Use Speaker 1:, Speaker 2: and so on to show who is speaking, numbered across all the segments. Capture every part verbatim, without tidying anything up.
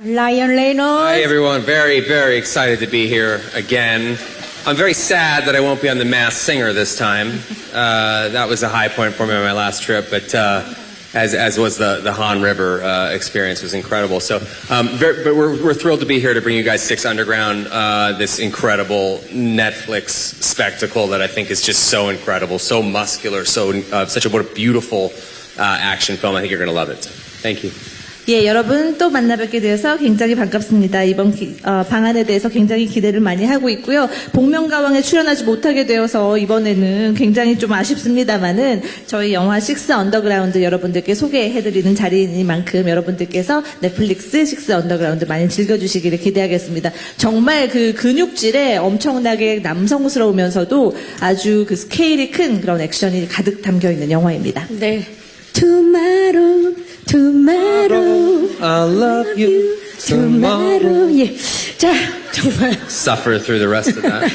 Speaker 1: Ryan Reynolds.
Speaker 2: Hi everyone, very, very excited to be here again. I'm very sad that I won't be on The Masked Singer this time. Uh, that was a high point for me on my last trip, but uh, as as was the the Han River uh, experience was incredible. So, um, very, but we're we're thrilled to be here to bring you guys Six Underground, uh, this incredible Netflix spectacle that I think is just so incredible, so muscular, so uh, such a what a beautiful uh, action film. I think you're going to love it. Thank you.
Speaker 1: 예, 여러분 또 만나 뵙게 되어서 굉장히 반갑습니다. 이번 기, 어, 방안에 대해서 굉장히 기대를 많이 하고 있고요. 복면가왕에 출연하지 못하게 되어서 이번에는 굉장히 좀 아쉽습니다만은 저희 영화 식스 언더그라운드 여러분들께 소개해드리는 자리이니만큼 여러분들께서 넷플릭스 식스 언더그라운드 많이 즐겨주시기를 기대하겠습니다. 정말 그 근육질에 엄청나게 남성스러우면서도 아주 그 스케일이 큰 그런 액션이 가득 담겨있는 영화입니다.
Speaker 3: 네. Tomorrow, tomorrow,
Speaker 2: I love you.
Speaker 3: tomorrow. 예. 자, 정말.
Speaker 2: Suffer through the rest of that.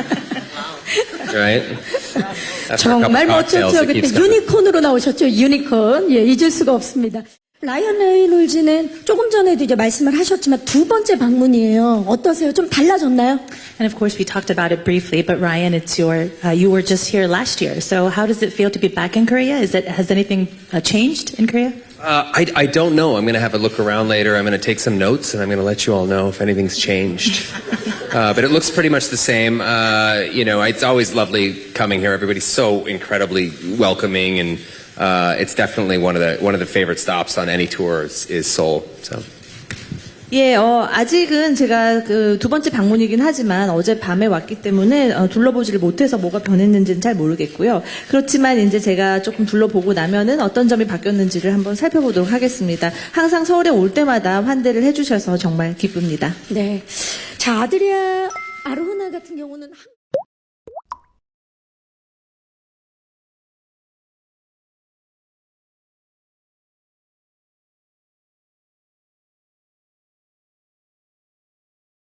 Speaker 2: Right? After a couple
Speaker 3: 정말
Speaker 2: cocktails,
Speaker 3: 멋졌죠.
Speaker 2: it
Speaker 3: 그때
Speaker 2: keeps coming.
Speaker 3: 유니콘으로 나오셨죠. 유니콘. 예, 잊을 수가 없습니다. 라이언 레이놀즈는 조금 전에도 이제 말씀을 하셨지만 두 번째 방문이에요. 어떠세요? 좀 달라졌나요?
Speaker 4: And of course, we talked about it briefly, but Ryan, it's your, uh, you were just here last year. So how does it feel to be back in Korea? Is it, has anything uh, changed in Korea?
Speaker 2: Uh, I, I don't know. I'm going to have a look around later. I'm going to take some notes, and I'm going to let you all know if anything's changed. uh, but it looks pretty much the same. Uh, you know, it's always lovely coming here. Everybody's so incredibly welcoming, and uh, it's definitely one of the one of the favorite stops on any tour is, is Seoul. So.
Speaker 1: 예, 어, 아직은 제가 그 두 번째 방문이긴 하지만 어제 밤에 왔기 때문에 어, 둘러보지를 못해서 뭐가 변했는지는 잘 모르겠고요. 그렇지만 이제 제가 조금 둘러보고 나면은 어떤 점이 바뀌었는지를 한번 살펴보도록 하겠습니다. 항상 서울에 올 때마다 환대를 해주셔서 정말 기쁩니다.
Speaker 3: 네. 자, 아드리아 아로나 같은 경우는